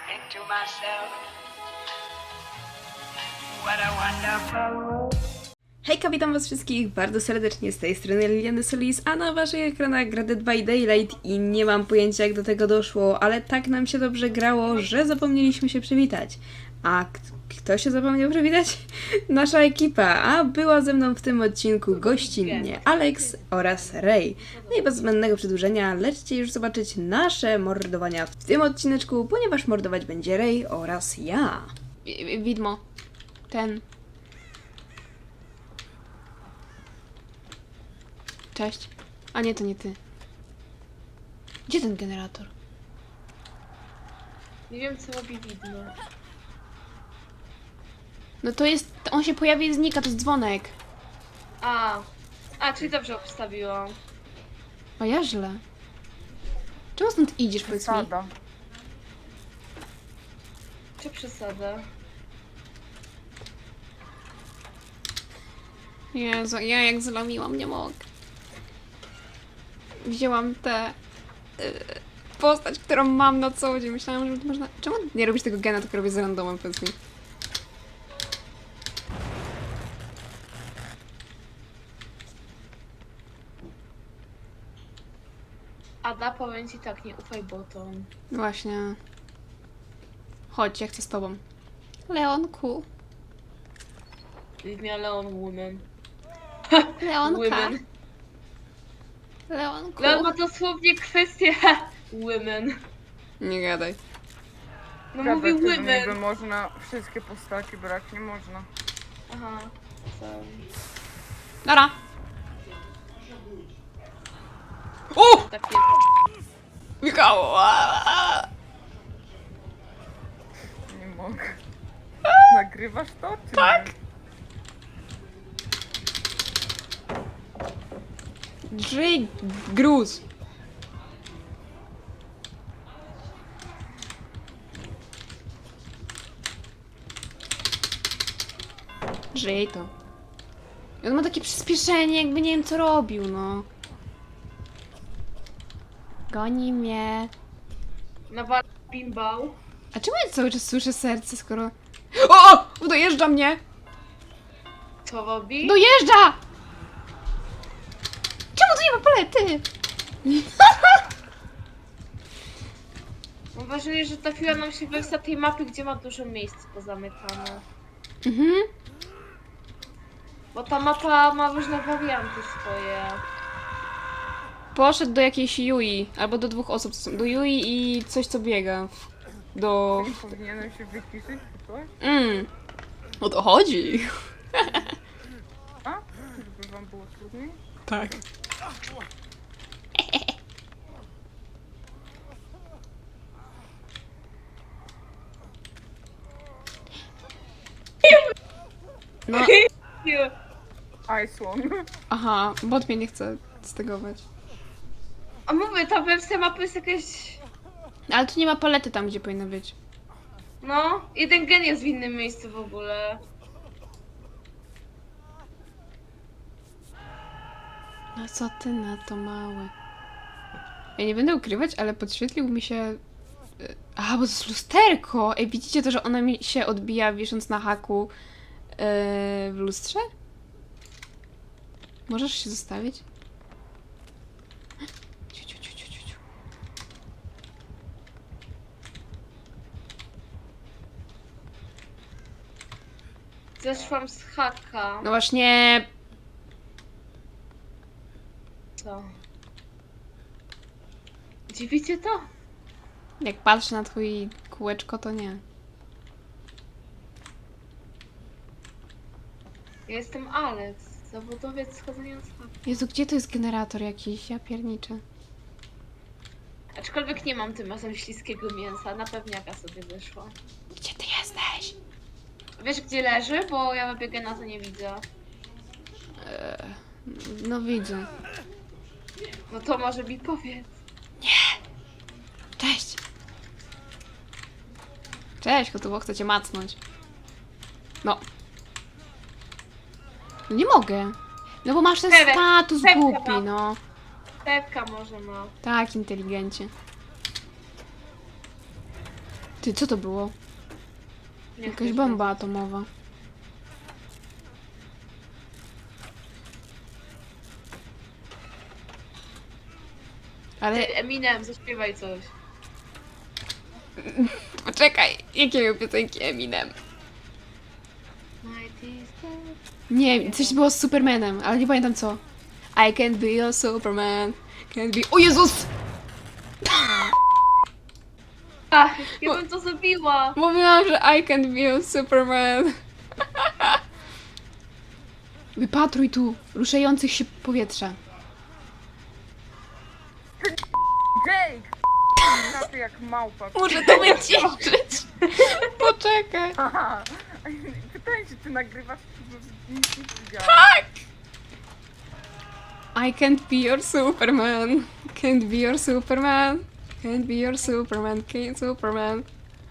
think to myself, what a wonderful world. Hejka, witam was wszystkich bardzo serdecznie, z tej strony Liliany Solis, a na waszych ekranach gra Dead by Daylight i nie mam pojęcia jak do tego doszło, ale tak nam się dobrze grało, że zapomnieliśmy się przywitać. A kto się zapomniał przywitać? Nasza ekipa, a była ze mną w tym odcinku gościnnie Alex oraz Ray. No i bez zbędnego przedłużenia, lećcie już zobaczyć nasze mordowania w tym odcineczku, ponieważ mordować będzie Ray oraz ja. Widmo. Ten. Cześć. A nie, to nie ty. Gdzie ten generator? Nie wiem, co robi widmo. No to jest... On się pojawia i znika, to jest dzwonek. Czyli dobrze obstawiłam. A ja źle. Czemu stąd idziesz, powiedz mi? Przesada. Czy przesada? Jezu, ja jak zlamiłam, nie mogę. Wzięłam tę postać, którą mam na co dzień. Myślałam, że można... Czemu nie robisz tego gena, tylko robię z randomem, powiedz mi? Ada, powiem ci tak, nie ufaj botom. Właśnie. Chodź, ja chcę z tobą. Leonku. Leave me alone, woman. Leonka. Women. Leonku. Leon ma dosłownie kwestię women. Nie gadaj. No Prawda, mówi wtedy niby women. można wszystkie postaci brać, nie można. Aha. Sorry. Nara. O! Tak jest. Michał! Nie mogę. Nagrywasz to, czy Tak. nie? Drzyj gruz. Żyj to. I on ma takie przyspieszenie, jakby nie wiem co robił, no. Goni mnie. Nawal bimbał. A czemu ja cały czas słyszę serce, skoro... O! Dojeżdża mnie! Co robi? Dojeżdża! Czemu tu nie ma palety? Mam wrażenie, że trafiła nam się wersja tej mapy, gdzie ma dużo miejsc pozamykane. Mhm. Bo ta mapa ma różne warianty swoje. Poszedł do jakiejś Yui, albo do dwóch osób, co są. Do Yui i coś co biega. Do... Powinienem się wyciszyć, czy coś? O to chodzi. A? Żeby wam było trudniej? Tak. No, Ice One. aha, bot mnie nie chce stegować. A mówię, ta wersja mapy jest jakaś... Ale tu nie ma palety tam, gdzie powinna być. No, jeden gen jest w innym miejscu w ogóle. No co ty na to, mały? Ja nie będę ukrywać, ale podświetlił mi się... Aha, bo to jest lusterko! Ej, widzicie to, że ona mi się odbija wisząc na haku w lustrze? Możesz się zostawić? Ciu, ciu, ciu, ciu, ciu, ciu. Zeszłam z haka. No właśnie... Co? Dziwicie to? Jak patrzę na twój kółeczko, to nie. Ja jestem Alex, zawodowiec schodzenia z haka. Jezu, gdzie to jest generator jakiś? Ja pierniczę. Aczkolwiek nie mam tym razem śliskiego mięsa, na pewniaka sobie wyszła. Gdzie ty jesteś? Wiesz gdzie leży? Bo ja wybiegę na to nie widzę. No widzę. No to może mi powiedz. Cześć! Cześć, kotowo, chcę cię macnąć. No. No nie mogę. No bo masz ten Pewek, status pewka głupi, mam. no. Pepka może ma. Tak, inteligencie. Ty, co to było? Nie Jakaś chcesz bomba atomowa. Ale wiedzieć. Ty, Eminem, zaśpiewaj coś. poczekaj, jakie piosenki Eminem? Night is dead. Nie, coś było z Supermanem, ale nie pamiętam co. I can't be your Superman. Can't be... O Jezus! Ach, ja bym to zrobiła. Mówiłam, że I can't be your Superman. Wypatruj tu ruszających się powietrza. Jake! Na ty jak małpa. Muszę to wyciszyć. Poczekaj. Aha. Pytałem się, czy nagrywasz, bo nic nie widziałam. I can't be your Superman. Can't be your Superman. Can't be your Superman. Can't Superman.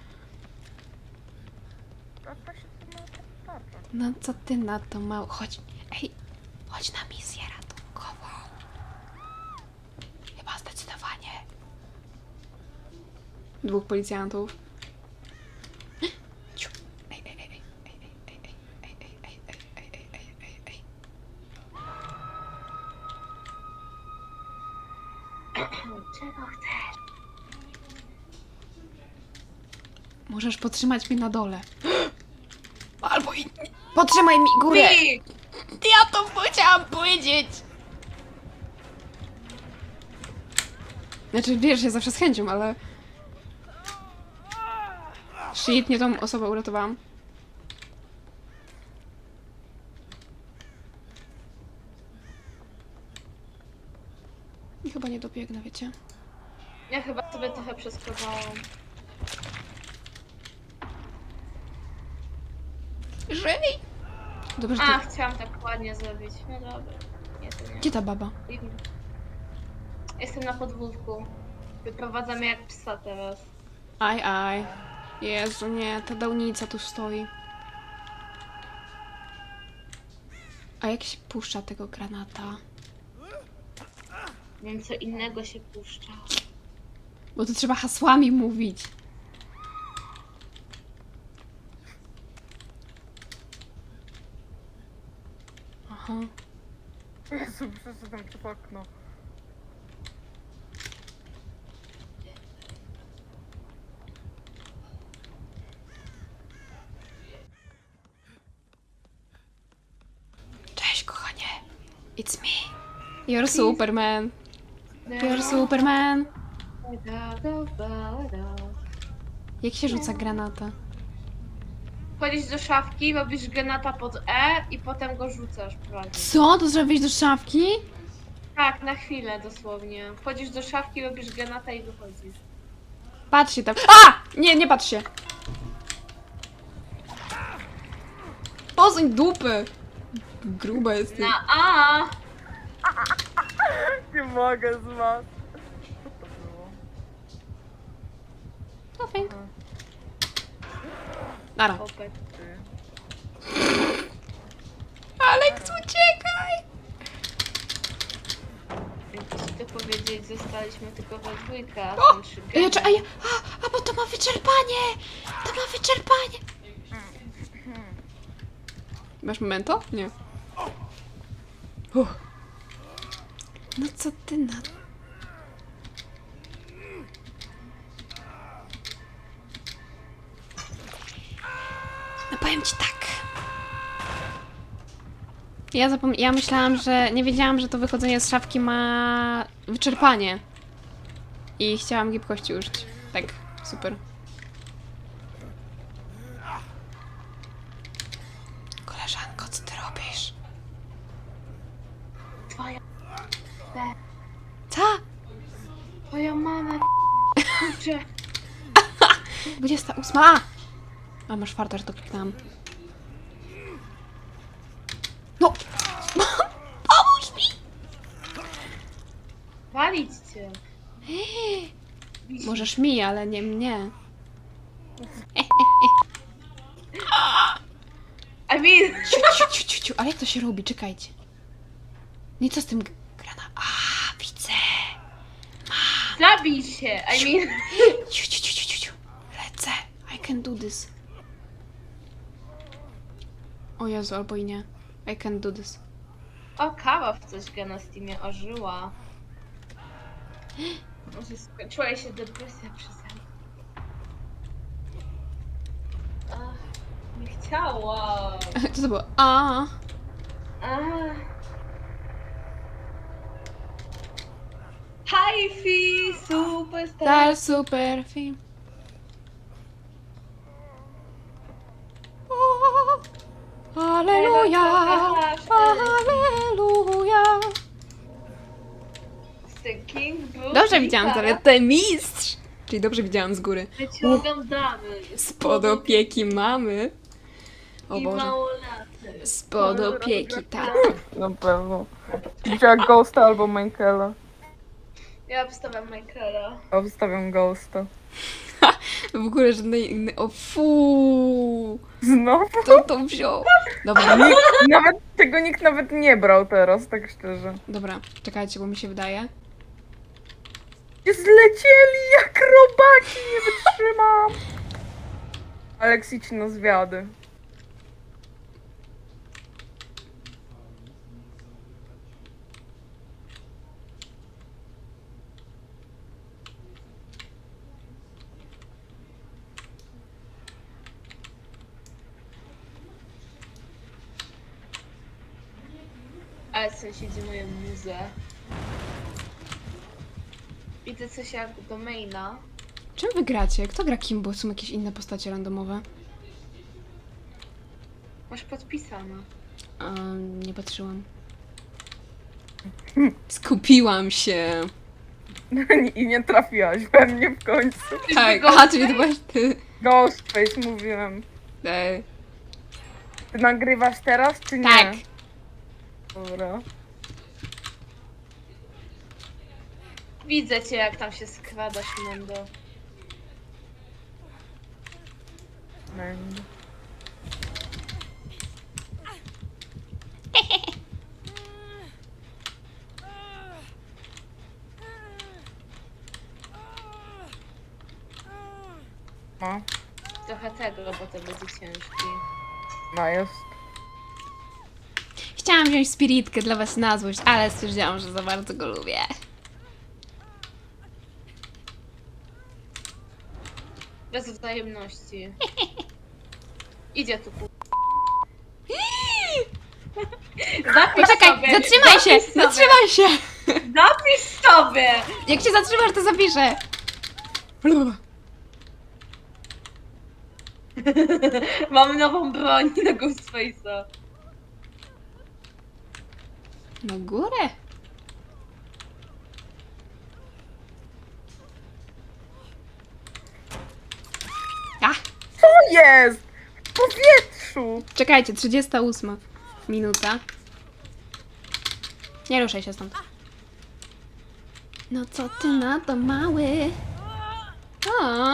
A się to ma tarcza. No co ty na to mało? Chodź. Ej, chodź na misję ratunkową. Chyba zdecydowanie. 2 policjantów. Ciu. Ej, ej, ej, ej, ej, ej, ej, ej, ej, ej, ej, ej, ej, ej, ej. Czego chcesz? Możesz podtrzymać mnie na dole. Albo i... Podtrzymaj mi górę! Pi! Ja to chciałam powiedzieć! Znaczy, wiesz, ja zawsze z chęcią, ale... Shit, nie tą osobę uratowałam. I chyba nie dobiegnę, wiecie? Ja chyba sobie trochę przeskazałam. Żyj! Dobrze, że A, ty... chciałam tak ładnie zrobić. No dobra. Nie, to nie. Gdzie ta baba? Jestem na podwórku. Wyprowadzamy jak psa teraz. Aj, aj. Jezu, nie, ta dałnica tu stoi. A jak się puszcza tego granata? Wiem, co innego się puszcza. Bo to trzeba hasłami mówić. Aha. Jezu, przeszedłem przez okno. Cześć, kochanie. It's me. You're Superman. You're Superman. Jak się rzuca granata? Wchodzisz do szafki, robisz granata pod E i potem go rzucasz prawie. Co? To trzeba wejść do szafki? Tak, na chwilę dosłownie. Wchodzisz do szafki, robisz granata i wychodzisz. Patrz się tam. A! Nie, nie patrz się. Posuń dupy. Gruba jest. Na A! Nie mogę z was. Co to było? No fajnie. Nara. Popek. Ty. Alex, uciekaj! Jakby ci to powiedzieć, zostaliśmy tylko we dwójkę, a O! tam trzy Ej, geny. ej, a bo to ma wyczerpanie! To ma wyczerpanie! Masz memento? Nie. No co ty na... No powiem ci tak. Ja myślałam, że... Nie wiedziałam, że to wychodzenie z szafki ma wyczerpanie. I chciałam gibkości użyć. Tak, super. Koleżanko, co ty robisz? Twoja... Co? Twoja mama... Kurczę. 28. A masz farta, że to kliknęłam. No! Pomóż mi! Walić cię. Możesz mi, ale nie mnie. I mean... Ciu. Ale jak to się robi? Czekajcie. No i co z tym grana? A, widzę. Zabij się! I mean... Ciu. Lecę. can do this. O Jezu, albo i nie. I can do this. O, kawa w coś gra na Steamie ożyła. Może skończyła jej się depresja przeze mnie. Ach, nie chciałam. Co to było? A. Ach. Hi-fi, superstar. Super film. Aleluja! Aleluja! King Bruce Dobrze widziałam Gitara. zaletę mistrz! Czyli dobrze widziałam z góry. My cię oglądamy. Spod opieki mamy. O I Boże. małolaty. Spod opieki, tak. Na pewno. Widziała Ghosta albo Michaela. Ja obstawiam Michaela. Obstawiam Ghosta. W ogóle żadnej innej... O fu! Znowu? Kto to wziął? Dobra, Nikt nawet nie brał teraz, tak szczerze. dobra, czekajcie, bo mi się wydaje. Zlecieli jak robaki, nie wytrzymam. Aleks, idź na zwiady. Ale sąsiedzi mają muzę. Widzę coś jak do maina. Czym wy gracie? Kto gra kim? Bo są jakieś inne postacie randomowe. Masz podpisane. Nie patrzyłam. Skupiłam się. I nie trafiłaś we mnie w końcu. Tak, Ghostface? aha, czyli to byłaś ty. Ghostface mówiłem. Ej. Ty nagrywasz teraz, czy nie? Tak. Dobra. Widzę cię jak tam się skradasz, Mendo. Będzie. No, Trochę tego, bo to będzie ciężki. no jest. Chciałam wziąć spiritkę dla was na złość, ale stwierdziłam, że za bardzo go lubię. Bez wzajemności. Idzie tu ku... Zapisz Poczekaj, sobie, zatrzymaj się! zapisz sobie, Zatrzymaj się! Zapisz sobie! Jak się zatrzymasz, to zapiszę. Mamy nową broń na Ghostface'a. Na górę. A, Co jest? W powietrzu! czekajcie, 38 minuta. Nie ruszaj się stąd. No co ty na to, mały? O,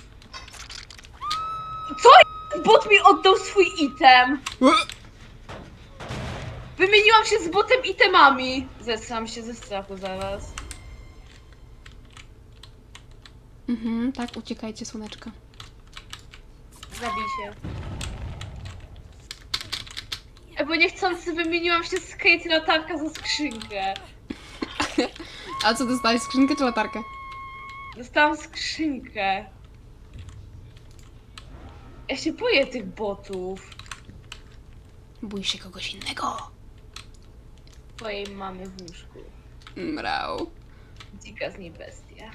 Co? Bot mi oddał swój item! Wymieniłam się z botem itemami! Zesram się ze strachu zaraz. tak, uciekajcie, słoneczko. Zabij się. Bo niechcący wymieniłam się z Kate latarka za skrzynkę. A co dostałeś, skrzynkę czy latarkę? Dostałam skrzynkę. Ja się boję tych botów. Bój się kogoś innego. Twojej mamy w łóżku. Mrał. Dzika z niej bestia.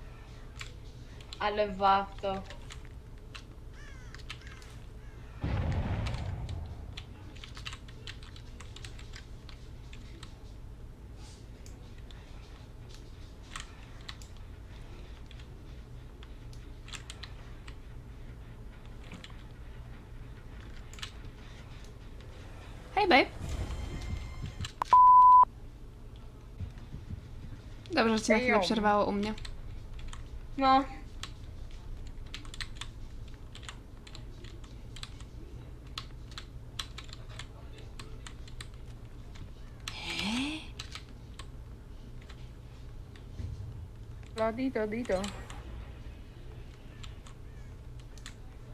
Ale warto. Hej, babe. Dobrze, że cię na chwilę Hejo. przerwało u mnie. No. Ladido, dido.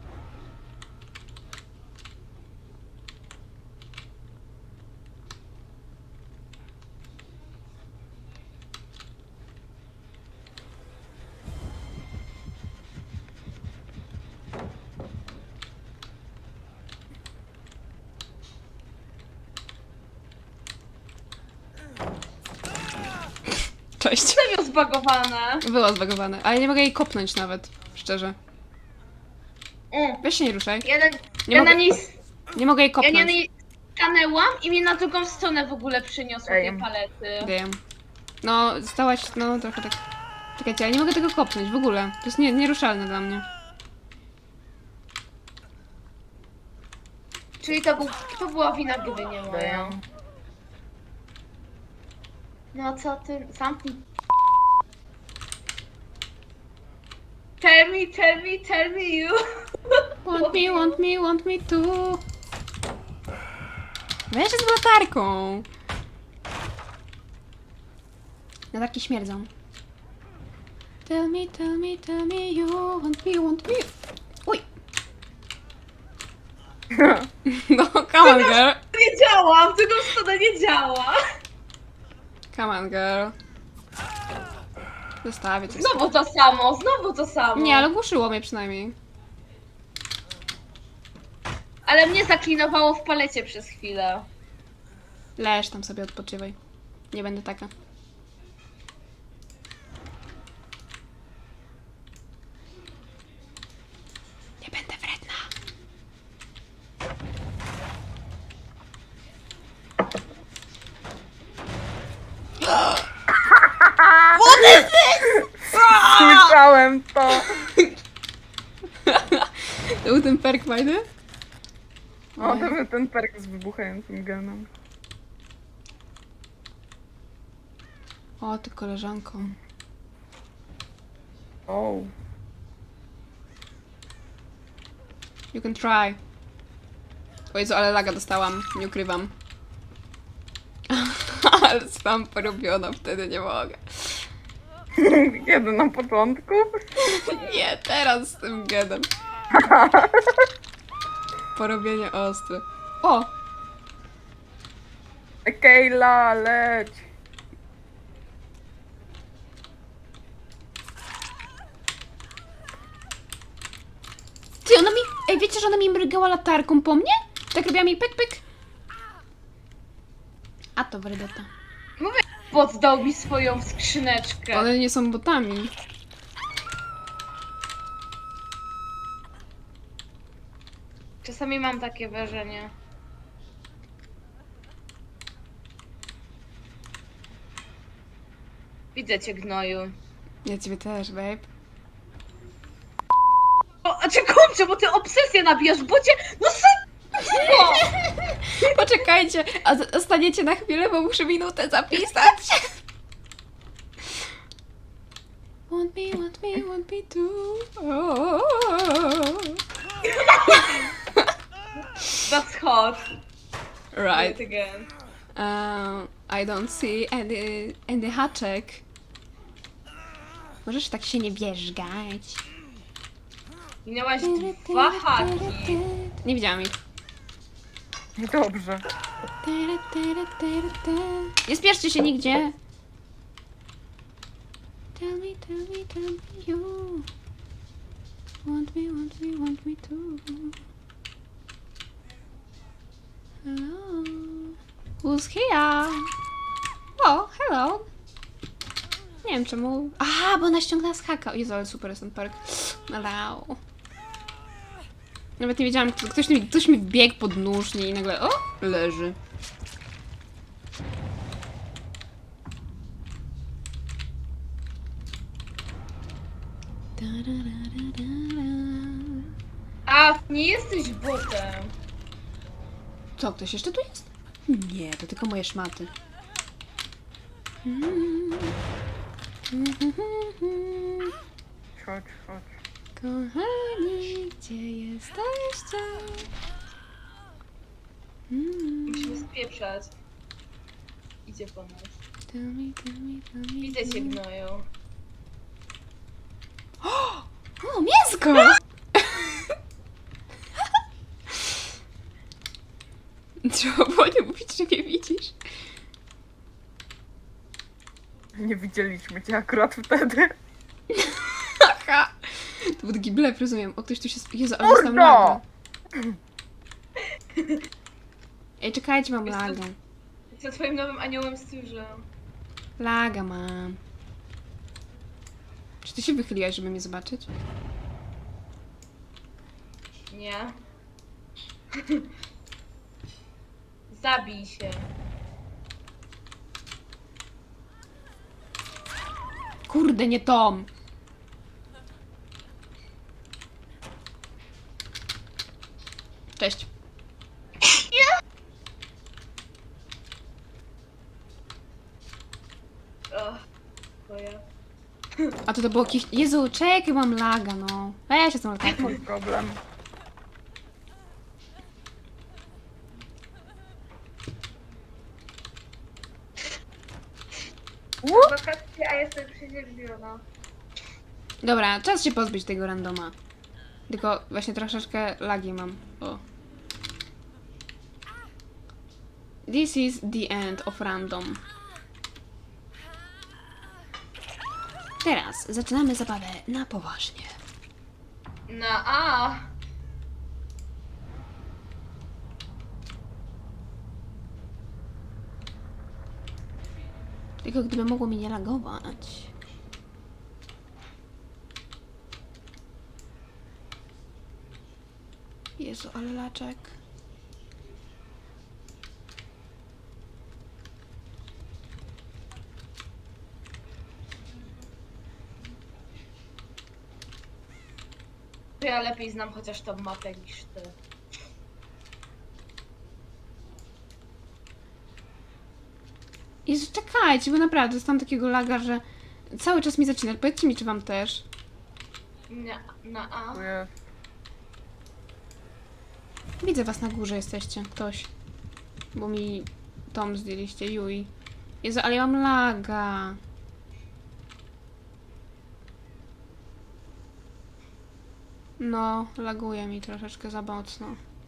Cześć. Serio zbagowane. Było zbagowane, ale nie mogę jej kopnąć nawet, szczerze. Weź się nie ruszaj. Nie Ja mogę, na niej nie mogę jej Ja kopnąć. nie na niej stanęłam i mnie na drugą stronę w ogóle przyniosło Ej. tej palety. Wiem. No, stałaś, no trochę tak... Czekajcie, ale nie mogę tego kopnąć w ogóle. To jest nieruszalne dla mnie. Czyli to była wina gry, nie moja. Damn. No co ty, zamknij. Tell me you. Want me to. Weź z latarką. Latarki śmierdzą. Tell me you want me. Uj. No, come on girl. Nie działa, w drugą stronę nie działa. Come on girl. Zostawię cię. Znowu to samo. Nie, ale głuszyło mnie przynajmniej. Ale mnie zaklinowało w palecie przez chwilę. Leż tam sobie, odpoczywaj. Nie będę taka. Nie będę wredna. Słyszałem to. To był ten perk fajny? O, to był ten perk z wybuchającym genem. O, ty koleżanko. O. You can try. O Jezu, ale laga dostałam. Nie ukrywam. Ale sam porobiona, wtedy nie mogę. Kiedy na początku? Nie, teraz z tym gedem. Porobienie ostre. O! Kejla, leć. Ty, ona mi... Ej, wiecie, że ona mi mrygała latarką po mnie? Tak robiła mi pyk, pyk. A to wredeta. Bot dał mi swoją skrzyneczkę. One nie są botami. Czasami mam takie wrażenie. Widzę cię, gnoju. Ja ciebie też, babe. O, a czy kurczę, bo ty obsesję nabijasz, bo cię... No co? Poczekajcie, a zostaniecie na chwilę, bo muszę minutę zapisać. Want me too. Oh. That's hot. Right. Yet again. I don't see any haczek. Możesz tak się nie wierzgać. Minęłaś 2 haki. Nie widziałam ich. Dobrze. Nie spieszcie się nigdzie. Tell me you. Want me too. Hello. Who's here? O, hello. Nie wiem czemu. Aha, bo ona ściągnęła z haka. O Jezu, ale super jest ten perk. Hello. Nawet nie wiedziałam, ktoś mi wbiegł pod nóżnie i nagle, o, leży. A, nie jesteś botem. Co, ktoś jeszcze tu jest? Nie, to tylko moje szmaty. Chodź, chodź. Kochani, gdzie jesteście? Musimy spieprzać. Idzie po nas. Tell me. Widzę cię, gnoju. O, mięsko! Trzeba było nie mówić, że mnie widzisz. Nie widzieliśmy cię akurat wtedy. Haha! To był taki blef, rozumiem. O, ktoś tu się... Jezu, ale dostałem Mordo! lagę. Ej, czekajcie, mam lagę. Jestem twoim nowym aniołem stróżem. Laga mam. Czy ty się wychyliłaś, żeby mnie zobaczyć? Nie. Zabij się. Kurde, nie Tom! Cześć. To ja. A to było jakieś... Jezu, czekaj, mam laga, no. Weź się z tą latarką. Mam problem. Wakacje, a jestem przeziębiona. Dobra, czas się pozbyć tego randoma. Tylko właśnie troszeczkę lagi mam. O. This is the end of random. Teraz zaczynamy zabawę na poważnie. Na A. Tylko gdyby mogło mi nie lagować. Jezu, ale laczek. Ja lepiej znam chociaż tą mapę niż ty. Jezu, czekajcie, bo naprawdę dostałam takiego laga, że cały czas mi zaczyna. Powiedzcie mi, czy wam też. Na A. Dziękuję. Widzę was na górze jesteście, ktoś. Bo mi Tom zdjęliście, Yui. Jezu, ale ja mam laga. No, laguje mi troszeczkę za mocno.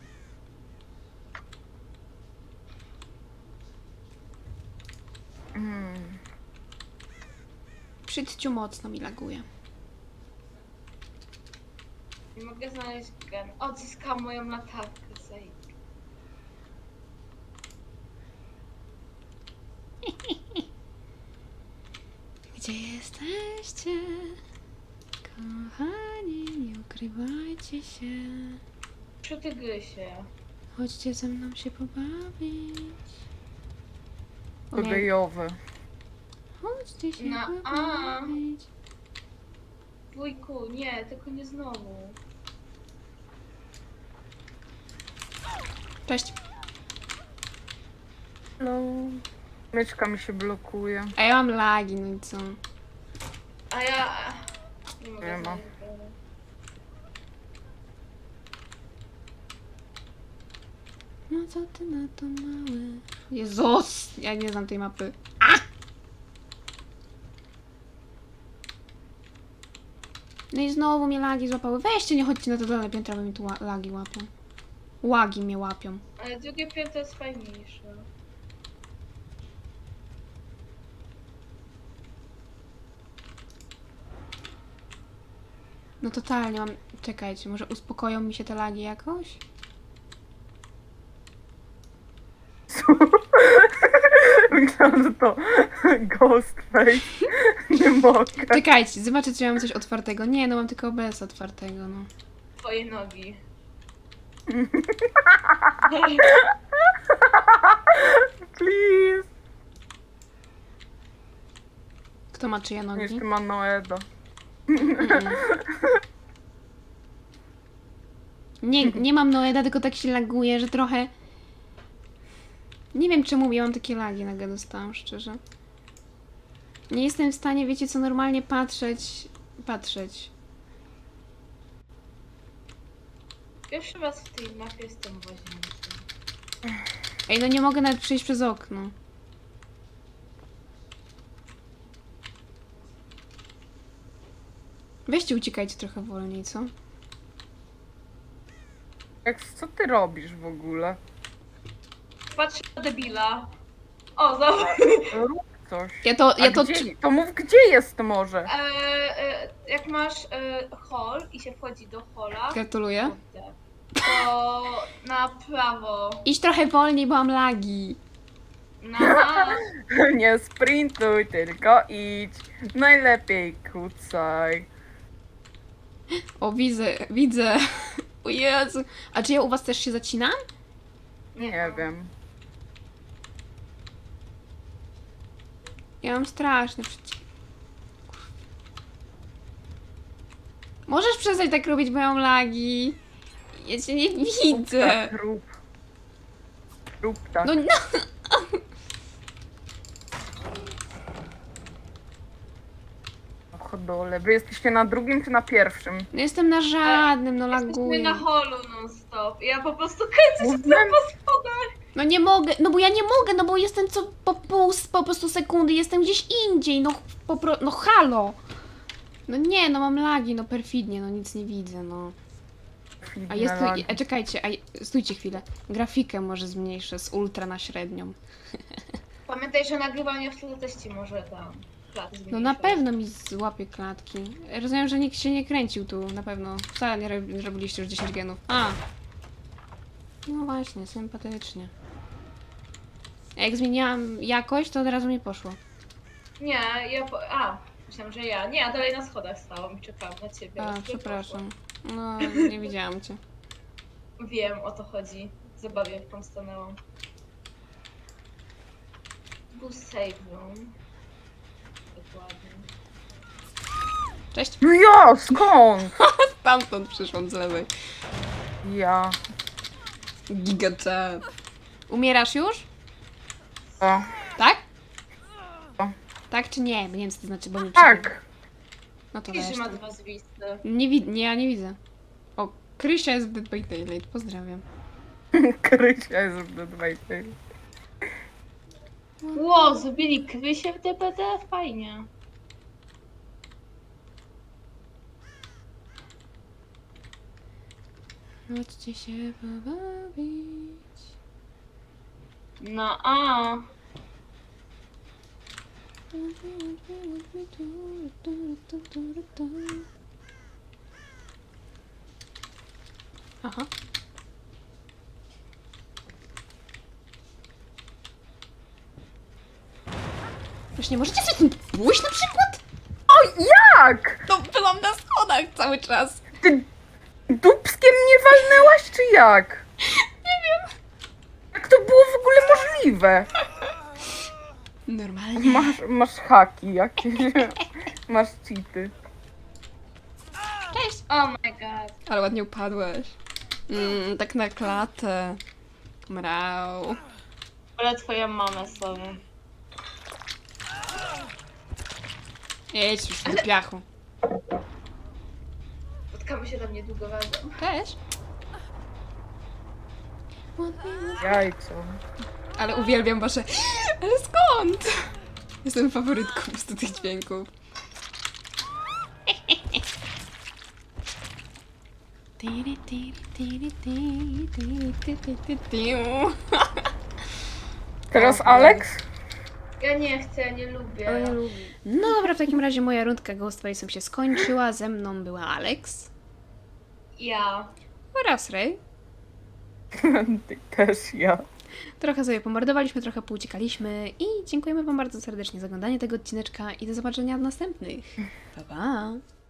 Przytciu mocno mi laguje. Nie mogę znaleźć gen. Odzyskałam moją latarkę, Zej. Gdzie jesteście? Kochani, nie ukrywajcie się. Przy tygrysie. Chodźcie ze mną się pobawić. To gejowe. Chodźcie się Na A. pobawić. Wujku, nie, tylko nie znowu. Cześć. No. Myczka mi się blokuje. A ja mam lagi, no i co? A ja... Nie mogę Nie ma. znaleźć gena. No co ty na to mały? Jezus! Ja nie znam tej mapy. No i znowu mnie lagi złapały. Weźcie, nie chodźcie na to dolne piętra, bo mi tu lagi łapią. Łagi mnie łapią. Ale drugie piętro jest fajniejsze. No totalnie mam... Czekajcie, może uspokoją mi się te lagi jakoś? Myślałam, że to Ghostface. Nie mogę. Czekajcie, zobaczę, czy ja mam coś otwartego. Nie, no mam tylko OBS otwartego, no. Twoje nogi. Please. Kto ma czyje nogi? Jeszcze ma Noeda. Nie mam Noeda, tylko tak się laguje, że trochę... Nie wiem czemu ja mam takie lagi, nagle dostałam, szczerze. Nie jestem w stanie, wiecie co, normalnie patrzeć. Pierwszy raz w tej mapie jestem w łazience. Ej, no nie mogę nawet przejść przez okno. Weźcie, uciekajcie trochę wolniej, co? Co ty robisz w ogóle? Patrzę na debila. O, zobacz. Rób coś. Ja to Mów, gdzie jest może? Jak masz hall i się wchodzi do halla, Gratuluję. to na prawo. Idź trochę wolniej, bo mam lagi. No, Nie sprintuj, tylko idź. Najlepiej kucaj. O, widzę. O Jezu. A czy ja u was też się zacinam? Nie wiem. Ja mam straszny przycisk. Możesz przestać tak robić, bo ja mam lagi. Ja cię nie widzę. Tak, rób. Rób tak. No, Chodole. Wy jesteście na drugim czy na pierwszym? no jestem na żadnym, no jesteśmy laguję. na holu non stop. Ja po prostu kręcę się Mówiłem, po schodach. No nie mogę, no bo ja nie mogę, no bo jestem co po prostu sekundy, jestem gdzieś indziej, no no halo. No nie, no mam lagi, no perfidnie, no nic nie widzę, no. A jest tu, czekajcie, stójcie chwilę. Grafikę może zmniejszę z ultra na średnią. Pamiętaj, że nagrywanie w tle może tam klaty No na pewno mi złapie klatki. Rozumiem, że nikt się nie kręcił tu, na pewno. Wcale nie robiliście już 10 genów. A! No właśnie, sympatycznie. A jak zmieniłam jakość, to od razu mi poszło. Nie, myślałam, że ja. Nie, ja dalej na schodach stałam i czekałam na ciebie. A, Już przepraszam. No, nie widziałam cię. poszło. Wiem, o to chodzi. Zabawię, tam stanęłam. Był save room. Dokładnie. Cześć! No ja, skąd? Stamtąd przyszłam z lewej. Ja. Gigachat. Umierasz już? O. Tak? O. Tak czy nie? Bo nie wiem co to znaczy, bo nie Tak. No to Widzisz, weź. że ma dwa zwisty. Nie, ja nie widzę. O, Krysia jest w Dead by Daylight, pozdrawiam. Krysia jest w Dead by Daylight. Ło, zrobili Krysię w DPD? Fajnie. Chodźcie się pobawić. No a. Aha. Już nie możecie sobie tym pójść na przykład? O, jak? No byłam na schodach cały czas. Ty dupskiem mnie walnęłaś, czy jak? Nie wiem. Jak to było w ogóle możliwe? Normalnie. Masz haki jakieś. Masz cheaty. Cześć. Oh my god. Ale ładnie upadłeś. Tak na klatę. Mrał. Ale twoją mamę sobie. Jedź już do piachu. Spotkamy się tam niedługo razem. Cześć. Jajco. Ale uwielbiam wasze... Ale skąd? Jestem faworytką po prostu tych dźwięków. Teraz Alex? Ja nie chcę, ja nie lubię. No dobra, w takim razie moja rundka Ghost Face'em się skończyła. Ze mną była Alex Ja. oraz Ray. Ty też ja. Trochę sobie pomordowaliśmy, trochę pouciekaliśmy i dziękujemy wam bardzo serdecznie za oglądanie tego odcineczka i do zobaczenia w następnych. Pa, pa!